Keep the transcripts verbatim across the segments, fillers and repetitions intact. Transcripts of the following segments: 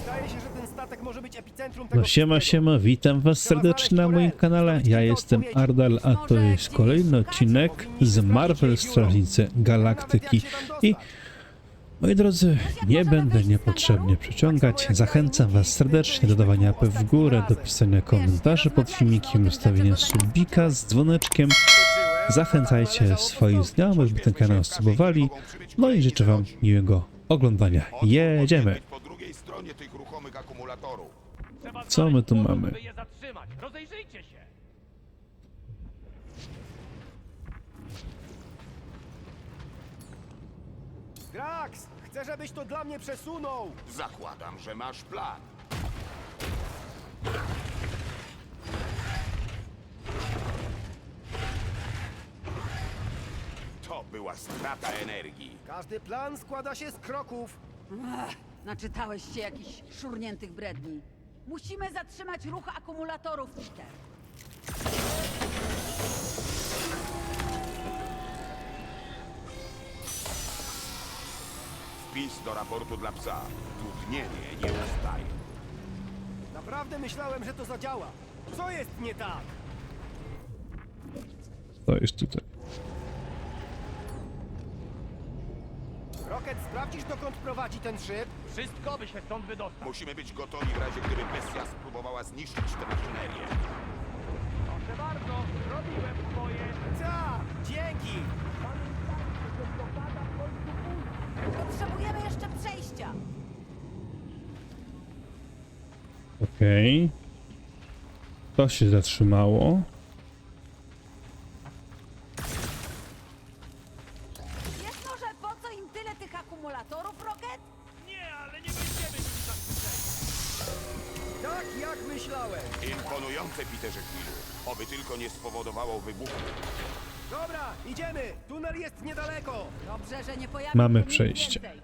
Wydaje się, że ten statek może być epicentrum tego No siema, wszystkiego. siema, witam was serdecznie na moim kanale. Ja jestem Ardal, a to jest kolejny odcinek z Marvel Strażnicy Galaktyki. I moi drodzy, nie będę niepotrzebnie przeciągać. Zachęcam was serdecznie do dawania łapy w górę, do pisania komentarzy pod filmikiem, ustawienia subika z dzwoneczkiem. Zachęcajcie swoich znajomych, by ten kanał subowali. No i życzę wam miłego oglądania. Jedziemy! Po drugiej stronie tych ruchomych akumulatorów. Co my tu mamy? By je zatrzymać. Rozejrzyjcie się. Drax, chcę, żebyś to dla mnie przesunął. Zakładam, że masz plan. To była strata energii. Każdy plan składa się z kroków. Ach, naczytałeś się jakichś szurniętych bredni. Musimy zatrzymać ruch akumulatorów, Peter. Wpis do raportu dla psa. Trudnienie nie ustaje. Naprawdę myślałem, że to zadziała. Co jest nie tak? To jest tutaj. Rocket, sprawdzisz, dokąd prowadzi ten szyb? Wszystko, by się stąd wydostał. Musimy być gotowi w razie, gdyby bestia spróbowała zniszczyć tę maszynerię. Proszę bardzo, robiłem swoje. Tak, dzięki. Potrzebujemy jeszcze przejścia. Okej. To się zatrzymało. Wiesz może, po co im tyle tych akumulatorów, Rocket? Nie, ale nie będziemy nimi zaskoczeni. Tak jak myślałem. Imponujące, Peterze Quillu. Oby tylko nie spowodowało wybuchu. Dobra, idziemy. Tunel jest niedaleko. Dobrze, że nie pojawi Mamy się nic przejście. więcej.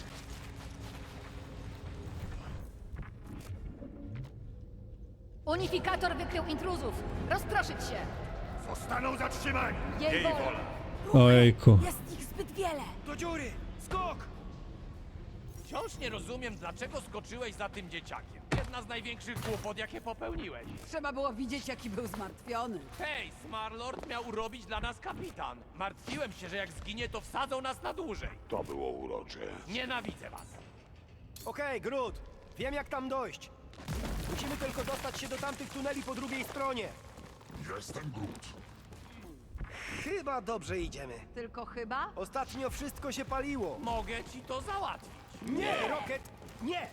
Unifikator wykrył intruzów. Rozproszyć się. Zostaną zatrzymani. Jej wola. Ojejku. Jest ich zbyt wiele. Do dziury. Skok. Wciąż nie rozumiem, dlaczego skoczyłeś za tym dzieciakiem. Jedna z największych głupot, jakie popełniłeś. Trzeba było widzieć, jaki był zmartwiony. Hej, Smarlord miał urobić dla nas kapitan. Martwiłem się, że jak zginie, to wsadzą nas na dłużej. To było urocze. Nienawidzę was. Okej, Groot. Wiem, jak tam dojść. Musimy tylko dostać się do tamtych tuneli po drugiej stronie. Jestem Groot. Chyba dobrze idziemy. Tylko chyba? Ostatnio wszystko się paliło. Mogę ci to załatwić. Nie, Rocket, nie!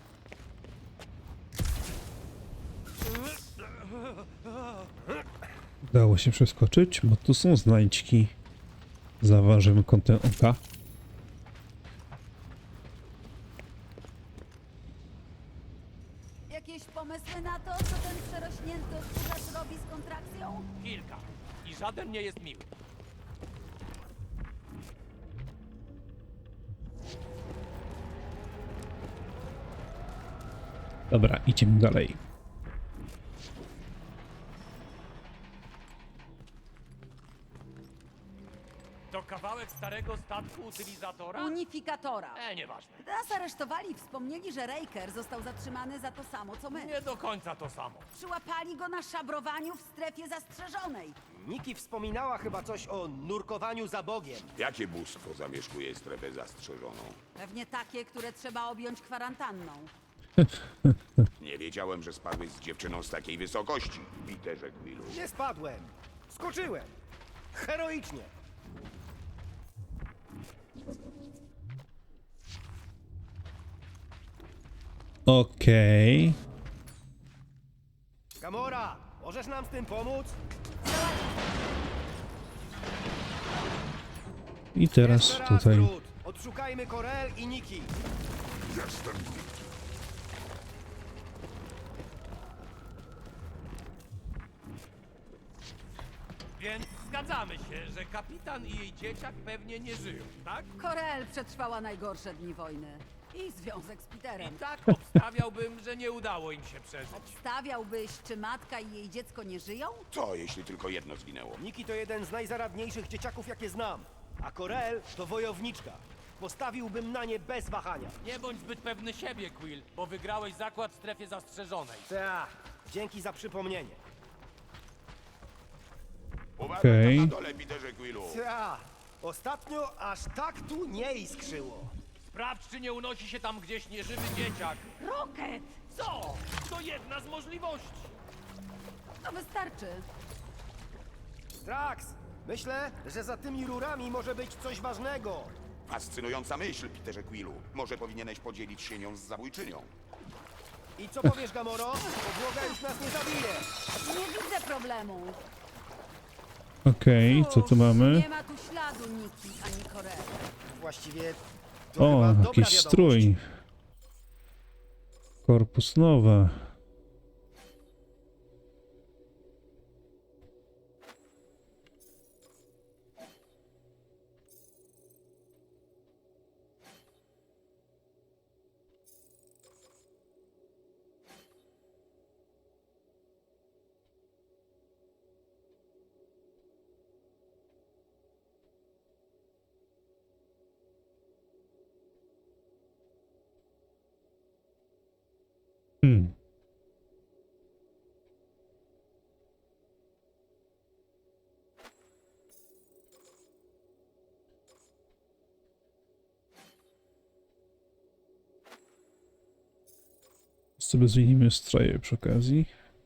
Udało się przeskoczyć, bo tu są znajdźki. Zaważymy kątem oka. Jakieś pomysły na to, co ten przerośnięty odkurzacz robi z kontrakcją? Kilka. I żaden nie jest miły. Dobra, idziemy dalej. To kawałek starego statku utylizatora? Unifikatora. E, nieważne. Gdy nas aresztowali, wspomnieli, że Raker został zatrzymany za to samo, co my. Nie do końca to samo. Przyłapali go na szabrowaniu w strefie zastrzeżonej. Niki wspominała chyba coś o nurkowaniu za Bogiem. Jakie bóstwo zamieszkuje strefę zastrzeżoną? Pewnie takie, które trzeba objąć kwarantanną. Nie wiedziałem, że spadłeś z dziewczyną z takiej wysokości, Peterze Quillu. Nie spadłem. Skoczyłem. Heroicznie. Okej. Gamora, możesz nam z tym pomóc? I teraz Jeszcze raz, tutaj. Groot. Odszukajmy Korel i Niki. Jestem Groot. Więc zgadzamy się, że kapitan i jej dzieciak pewnie nie żyją, tak? Korel przetrwała najgorsze dni wojny. I związek z I Peterem. tak obstawiałbym, że nie udało im się przeżyć. Stawiałbyś, czy matka i jej dziecko nie żyją? Co, jeśli tylko jedno zginęło? Niki to jeden z najzaradniejszych dzieciaków, jakie znam. A Korel to wojowniczka. postawiłbym na nie bez wahania. Nie bądź zbyt pewny siebie, Quill, bo wygrałeś zakład w strefie zastrzeżonej. Ta, dzięki za przypomnienie. Uważaj Okej. tam na dole, Peterze Quillu. Ta, ostatnio aż tak tu nie iskrzyło. Sprawdź, czy nie unosi się tam gdzieś nieżywy dzieciak. Rocket! Co? To jedna z możliwości. To wystarczy. Drax, myślę, że za tymi rurami może być coś ważnego. Fascynująca myśl, Peterze Quillu. Może powinieneś podzielić się nią z zabójczynią. I co powiesz, Gamoro? Podłoga już nas nie zabije. Nie widzę problemu. Okej, co tu Cóż, mamy? Nie ma tu śladu Niki ani Korei. Właściwie to O, chyba dobra jakiś wiadomość. strój. Korpus nowa. Hmm. Sobie zmienimy stroje przy okazji.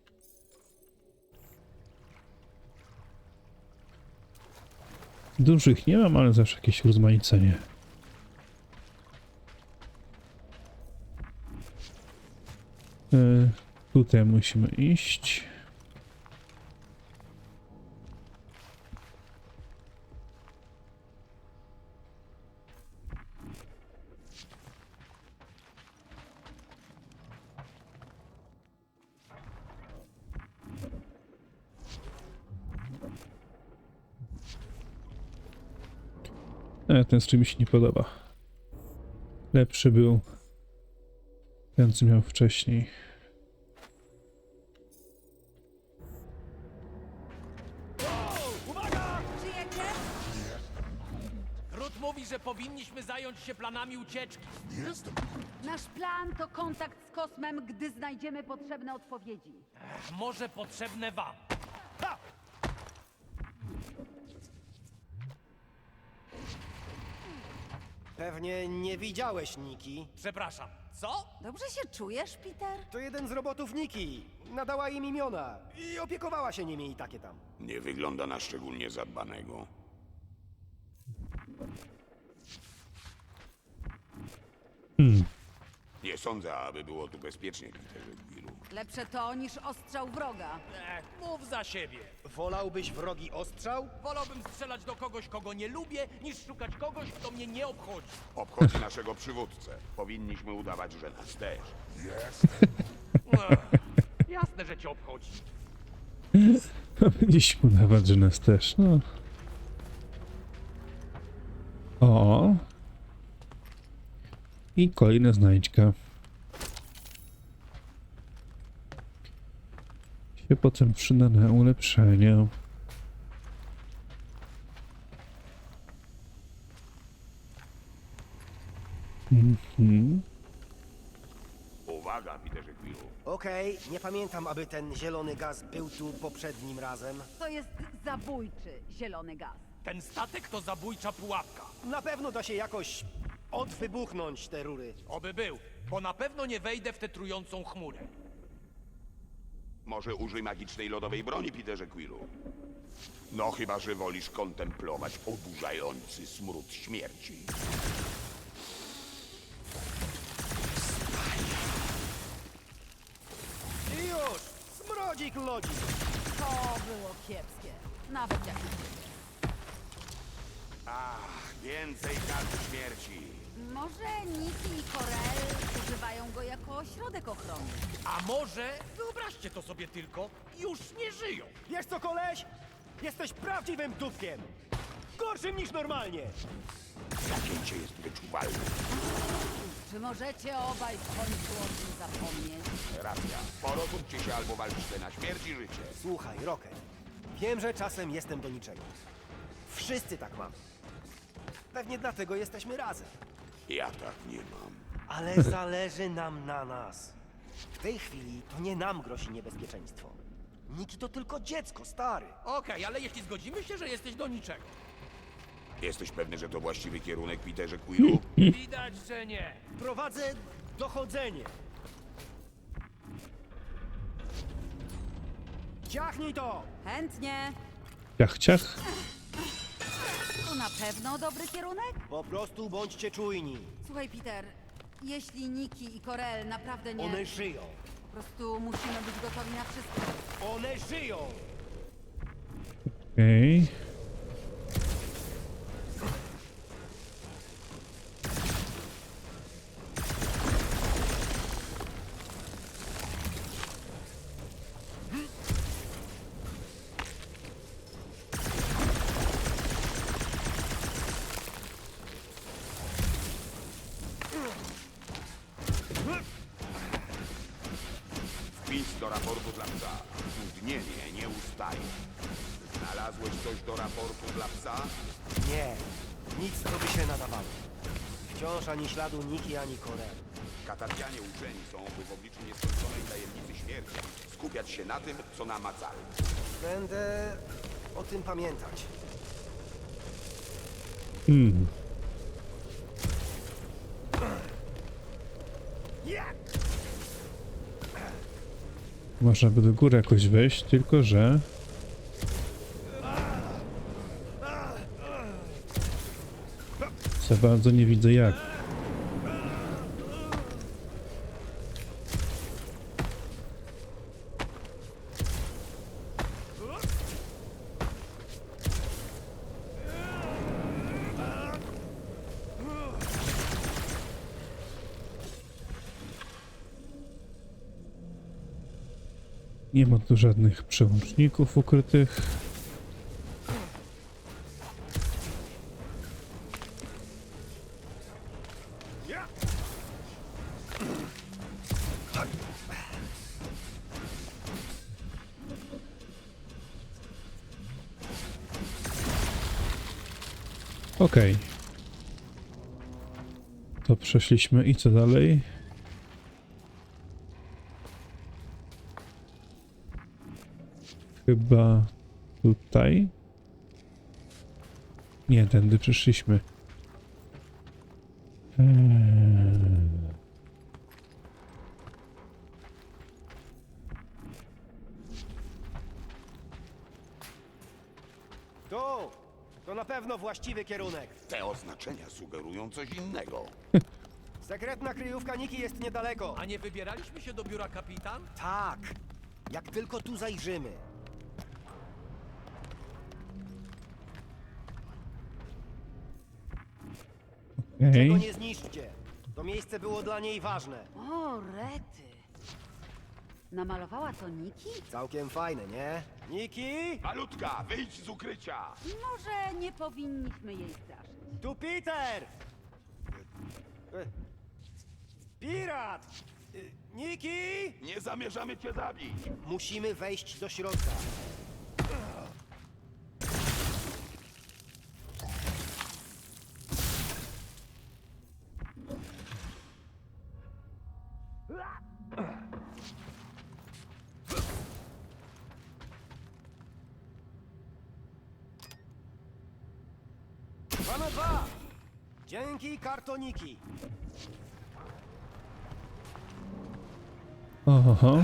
Dużych nie mam, ale zawsze jakieś urozmaicenie. E, tutaj musimy iść. E, ten strój mi się nie podoba. Lepszy był ten, co miał wcześniej. Żyjecie? Groot mówi, że powinniśmy zająć się planami ucieczki. Nasz plan to kontakt z kosmem, gdy znajdziemy potrzebne odpowiedzi. Ech, może potrzebne wam. Ha! Pewnie nie widziałeś Niki. Przepraszam, co? Dobrze się czujesz, Peter? To jeden z robotów Niki. Nadała im imiona i opiekowała się nimi i takie tam. Nie wygląda na szczególnie zadbanego. Hmm. Nie sądzę, aby było tu bezpiecznie, Peterze Quillu. Lepsze to niż ostrzał wroga. Ech, mów za siebie. Wolałbyś wrogi ostrzał? Wolałbym strzelać do kogoś, kogo nie lubię, niż szukać kogoś, kto mnie nie obchodzi. Obchodzi naszego przywódcę. Powinniśmy udawać, że nas też. Ech, jasne, że cię obchodzi. Powinniśmy udawać, że nas też, no. O. I kolejna znajdźka. Się potem przyda na ulepszenie. Mhm. Uwaga, Peterze Quillu. Okej, nie pamiętam, aby ten zielony gaz był tu poprzednim razem. To jest zabójczy zielony gaz. Ten statek to zabójcza pułapka. Na pewno da się jakoś odwybuchnąć te rury. Oby był, bo na pewno nie wejdę w tę trującą chmurę. Może użyj magicznej lodowej broni, Peterze Quillu. No chyba, że wolisz kontemplować oburzający smród śmierci. I już! Smrodzik lodzik! To było kiepskie. Nawet jak Ach, więcej karty śmierci. Może Niki i Korel używają go jako środek ochrony. A może, wyobraźcie to sobie tylko, już nie żyją. Wiesz co, koleś? Jesteś prawdziwym dupkiem! Gorszym niż normalnie! Zacięcie jest wyczuwalne. Czy możecie obaj w końcu o tym zapomnieć? Racja. Porozumcie się albo walczcie na śmierć i życie. Słuchaj, Rocket. Wiem, że czasem jestem do niczego. Wszyscy tak mamy. Pewnie dlatego jesteśmy razem. Ja tak nie mam. Ale zależy nam na nas. W tej chwili to nie nam grozi niebezpieczeństwo. Niki to tylko dziecko, stary. Okej, ale jeśli zgodzimy się, że jesteś do niczego. Jesteś pewny, że to właściwy kierunek, Peterze Quillu? Widać, że nie. Prowadzę dochodzenie. Ciachnij to! Chętnie. Ciach, ciach. To na pewno dobry kierunek? Po prostu bądźcie czujni. Słuchaj, Peter, jeśli Niki i Corel naprawdę nie... One żyją. Po prostu musimy być gotowi na wszystko. One żyją! Okej. Wpis do raportu dla psa. Dudnienie nie ustaje. Znalazłeś coś do raportu dla psa? Nie, nic co by się nadawało. Wciąż ani śladu Niki, ani Corel. Katardzianie uczeni są, by w obliczu nieskończonej tajemnicy śmierci skupiać się na tym, co namacalne. Będę o tym pamiętać. Hmm. Można by do góry jakoś wejść, tylko że... Za bardzo nie widzę jak. Nie ma tu żadnych przełączników ukrytych. Okej. To przeszliśmy i co dalej? Chyba tutaj? Nie, tędy przyszliśmy. Eee. Tu! To na pewno właściwy kierunek. Te oznaczenia sugerują coś innego. Sekretna kryjówka Niki jest niedaleko. A nie wybieraliśmy się do biura kapitan? Tak, jak tylko tu zajrzymy. Okej. Tego nie zniszczcie. To miejsce było dla niej ważne. O, rety. Namalowała to Niki? Całkiem fajne, nie? Niki? Malutka, wyjdź z ukrycia! Może nie powinniśmy jej straszyć. Tu Peter! E, Pirat! E, Niki! Nie zamierzamy cię zabić! Musimy wejść do środka. Dwa na dwa! Dzięki, kartoniki! Oho.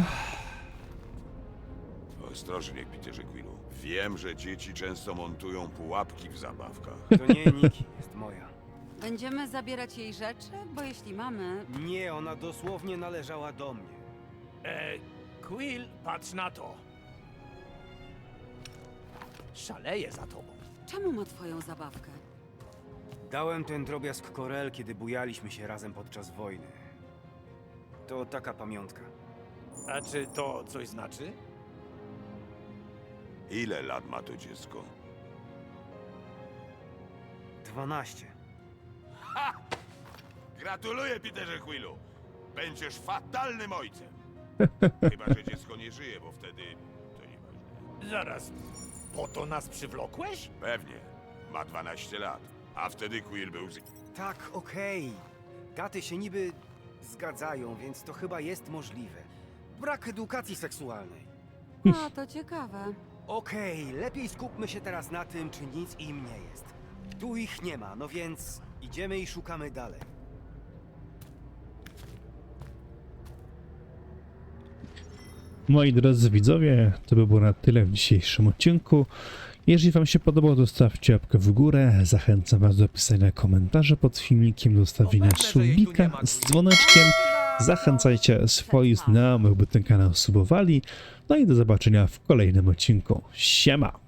Ostrożnie, Peterze Quillu. Wiem, że dzieci często montują pułapki w zabawkach. To nie Niki, jest moja. Będziemy zabierać jej rzeczy? Bo jeśli mamy... Nie, ona dosłownie należała do mnie. E, Quill, patrz na to. Szaleję za tobą. Czemu ma twoją zabawkę? Dałem ten drobiazg Corel, kiedy bujaliśmy się razem podczas wojny. To taka pamiątka. A czy to coś znaczy? Ile lat ma to dziecko? Dwanaście. Gratuluję, Peterze Quillu! Będziesz fatalnym ojcem! Chyba, że dziecko nie żyje, bo wtedy to nieważne. Zaraz, po to nas przywlokłeś? Pewnie. Ma dwanaście lat. A wtedy Quill był z... Tak, okej. Gaty się niby zgadzają, więc to chyba jest możliwe. Brak edukacji seksualnej. A, to ciekawe. Okej, lepiej skupmy się teraz na tym, czy nic im nie jest. Tu ich nie ma, no więc idziemy i szukamy dalej. Moi drodzy widzowie, to by było na tyle w dzisiejszym odcinku. Jeżeli wam się podobało, to zostawcie łapkę w górę. Zachęcam was do pisania komentarzy pod filmikiem, do zostawienia No pewne, że jej tu nie subika ma, z dzwoneczkiem. Zachęcajcie swoich znajomych, by ten kanał subowali. No i do zobaczenia w kolejnym odcinku. Siema!